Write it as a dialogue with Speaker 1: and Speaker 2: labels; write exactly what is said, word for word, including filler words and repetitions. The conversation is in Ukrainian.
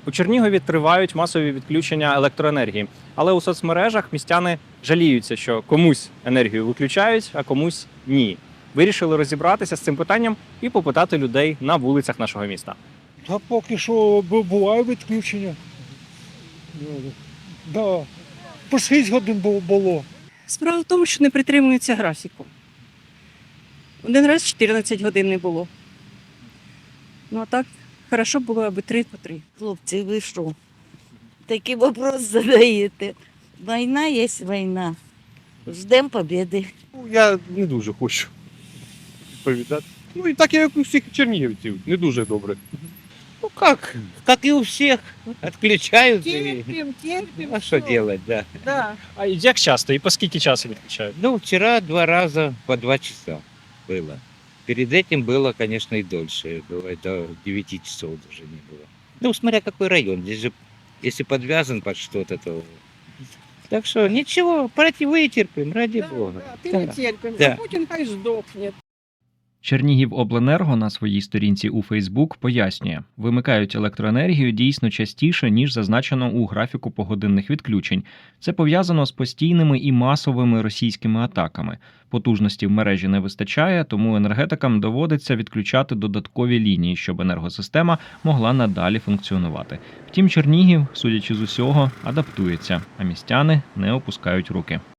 Speaker 1: У Чернігові тривають масові відключення електроенергії, але у соцмережах містяни жаліються, що комусь енергію виключають, а комусь ні. Вирішили розібратися з цим питанням і попитати людей на вулицях нашого міста.
Speaker 2: Та поки що бу- буває відключення. Да. По шість годин бу- було.
Speaker 3: Справа в тому, що не притримуються графіку. Один раз чотирнадцять годин не було. Ну а так, хорошо було, аби три по три.
Speaker 4: Хлопці, ви що? Такий вопрос задаєте. Війна є війна. Ждемо побєди.
Speaker 5: Ну, я не дуже хочу відповідати. Ну і так як у всіх чернігівців, не дуже добре.
Speaker 6: Ну как, как и у всех, отключают. и-
Speaker 3: Терпим, терпим.
Speaker 6: А что делать, да.
Speaker 3: Да.
Speaker 1: А як часто і по скільки часу відключають?
Speaker 6: Ну, вчера два раза по два часа было. Перед этим было, конечно, и дольше. Было до девяти часов даже не было. Ну, смотря какой район. Здесь же, если подвязан под что-то, то... Так что ничего, пройти вытерпим, ради бога.
Speaker 3: Ти
Speaker 6: Да.
Speaker 3: не терпим.
Speaker 6: Да.
Speaker 3: А Путін хай здохне.
Speaker 7: Чернігівобленерго на своїй сторінці у Фейсбук пояснює, вимикають електроенергію дійсно частіше, ніж зазначено у графіку погодинних відключень. Це пов'язано з постійними і масовими російськими атаками. Потужності в мережі не вистачає, тому енергетикам доводиться відключати додаткові лінії, щоб енергосистема могла надалі функціонувати. Втім, Чернігів, судячи з усього, адаптується, а містяни не опускають руки.